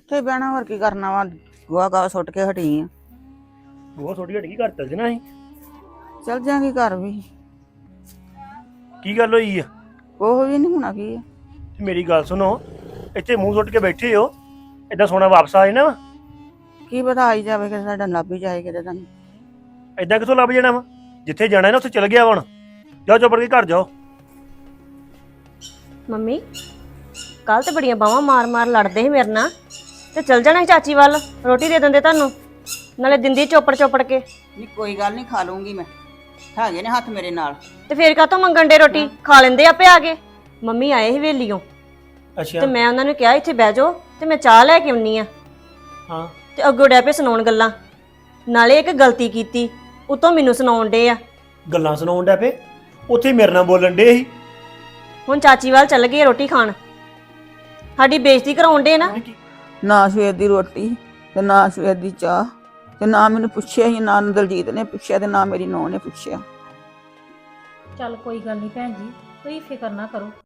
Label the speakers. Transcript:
Speaker 1: ਕਿੱਥੇ ਬਹਿਣਾ, ਹੋਰ ਕੀ ਕਰਨਾ ਵਾ। ਗੋਹਾ ਗਾ ਸੁੱਟ ਕੇ ਹਟੀ ਆ।
Speaker 2: ਉਹ ਥੋੜੀ ਹਟ ਗਈ, ਘਰ ਚੱਲ ਜਣਾ ਸੀ।
Speaker 1: ਚੱਲ ਜਾਂਗੀ ਘਰ ਵੀ।
Speaker 2: ਕੀ ਗੱਲ ਹੋਈ ਆ?
Speaker 1: ਉਹ ਵੀ ਨਹੀਂ ਹੋਣਾ ਕੀ ਆ।
Speaker 2: ਤੇ ਮੇਰੀ ਗੱਲ ਸੁਣੋ, ਇੱਥੇ ਮੂੰਹ ਸੁੱਟ ਕੇ ਬੈਠੇ ਹੋ, ਏਦਾਂ ਸੋਨਾ ਵਾਪਸ ਆ ਜਾਣਾ ਵਾ?
Speaker 1: ਕੀ ਪਤਾ ਆਈ ਜਾਵੇ ਕਿ ਸਾਡਾ ਲੱਭ ਹੀ ਜਾਏ ਕਿਤੇ ਤੁਹਾਨੂੰ।
Speaker 2: ਏਦਾਂ ਕਿੱਥੋਂ ਲੱਭ ਜਾਣਾ ਵਾ? ਜਿੱਥੇ ਜਾਣਾ ਨਾ ਉੱਥੇ ਚਲ ਗਿਆ ਵਾ। ਹੁਣ ਜਾਓ ਚੁੱਪ ਕੇ ਘਰ ਜਾਓ।
Speaker 3: ਮੰਮੀ ਕੱਲ ਤੇ ਬੜੀਆਂ ਬਾਹਾਂ ਮਾਰ-ਮਾਰ ਲੜਦੇ ਸੀ ਮੇਰੇ ਨਾਲ, ਤੇ ਚਲ ਜਾਣਾ ਸੀ ਚਾਚੀ ਵੱਲ, ਰੋਟੀ ਦੇ ਦਿੰਦੇ ਤੁਹਾਨੂੰ, ਨਾਲੇ ਦਿੰਦੀ ਚੋਪੜ ਕੇ।
Speaker 1: ਨਹੀਂ ਕੋਈ ਗੱਲ ਨਹੀਂ, ਖਾ ਲੂੰਗੀ ਮੈਂ, ਹੈਗੇ ਨੇ ਹੱਥ ਮੇਰੇ ਨਾਲ।
Speaker 3: ਤੇ ਫੇਰ ਕਾਹਤੋਂ ਮੰਗਣ ਦੇ ਰੋਟੀ? ਖਾ ਲੈਂਦੇ ਆਪੇ ਆ ਗਏ। ਮੰਮੀ ਆਏ ਸੀ ਵੇਲੀਓਂ,
Speaker 2: ਅੱਛਾ।
Speaker 3: ਤੇ ਮੈਂ ਉਹਨਾਂ ਨੂੰ ਕਿਹਾ ਇੱਥੇ ਬਹਿ ਜਾਓ ਤੇ ਮੈਂ ਚਾਹ ਲੈ ਕੇ ਆਉਣੀ ਆ।
Speaker 2: ਹਾਂ।
Speaker 3: ਤੇ ਅੱਗੋਂ ਡੈ ਪਏ ਸੁਣਾਉਣ ਗੱਲਾਂ, ਨਾਲੇ ਇੱਕ ਗਲਤੀ ਕੀਤੀ ਉਤੋਂ ਮੈਨੂੰ ਸੁਣਾਉਣ ਡੇ ਆ।
Speaker 2: ਗੱਲਾਂ ਸੁਣਾਉਣ ਡੈ ਪਏ? ਉੱਥੇ ਮੇਰੇ ਨਾਲ ਬੋਲਣ ਡੇ ਸੀ।
Speaker 3: ਹੁਣ ਚਾਚੀ ਵੱਲ ਚੱਲ ਗਏ ਰੋਟੀ ਖਾਣ, ਸਾਡੀ ਬੇਇੱਜ਼ਤੀ ਕਰਾਉਣ ਡੇ ਨਾ।
Speaker 1: ਨਾ ਸਵੇਰ ਦੀ ਰੋਟੀ ਤੇ ਨਾ ਸਵੇਰ ਦੀ ਚਾਹ, ਤੇ ਨਾ ਮੈਨੂੰ ਪੁੱਛਿਆ ਹੀ, ਨਾ ਦਲਜੀਤ ਨੇ ਪੁੱਛਿਆ ਤੇ ਨਾ ਮੇਰੀ ਨੂੰਹ ਨੇ ਪੁੱਛਿਆ।
Speaker 4: ਚੱਲ ਕੋਈ ਗੱਲ ਨਹੀਂ ਭੈਣ ਜੀ, ਤੁਸੀਂ ਫਿਕਰ ਨਾ ਕਰੋ।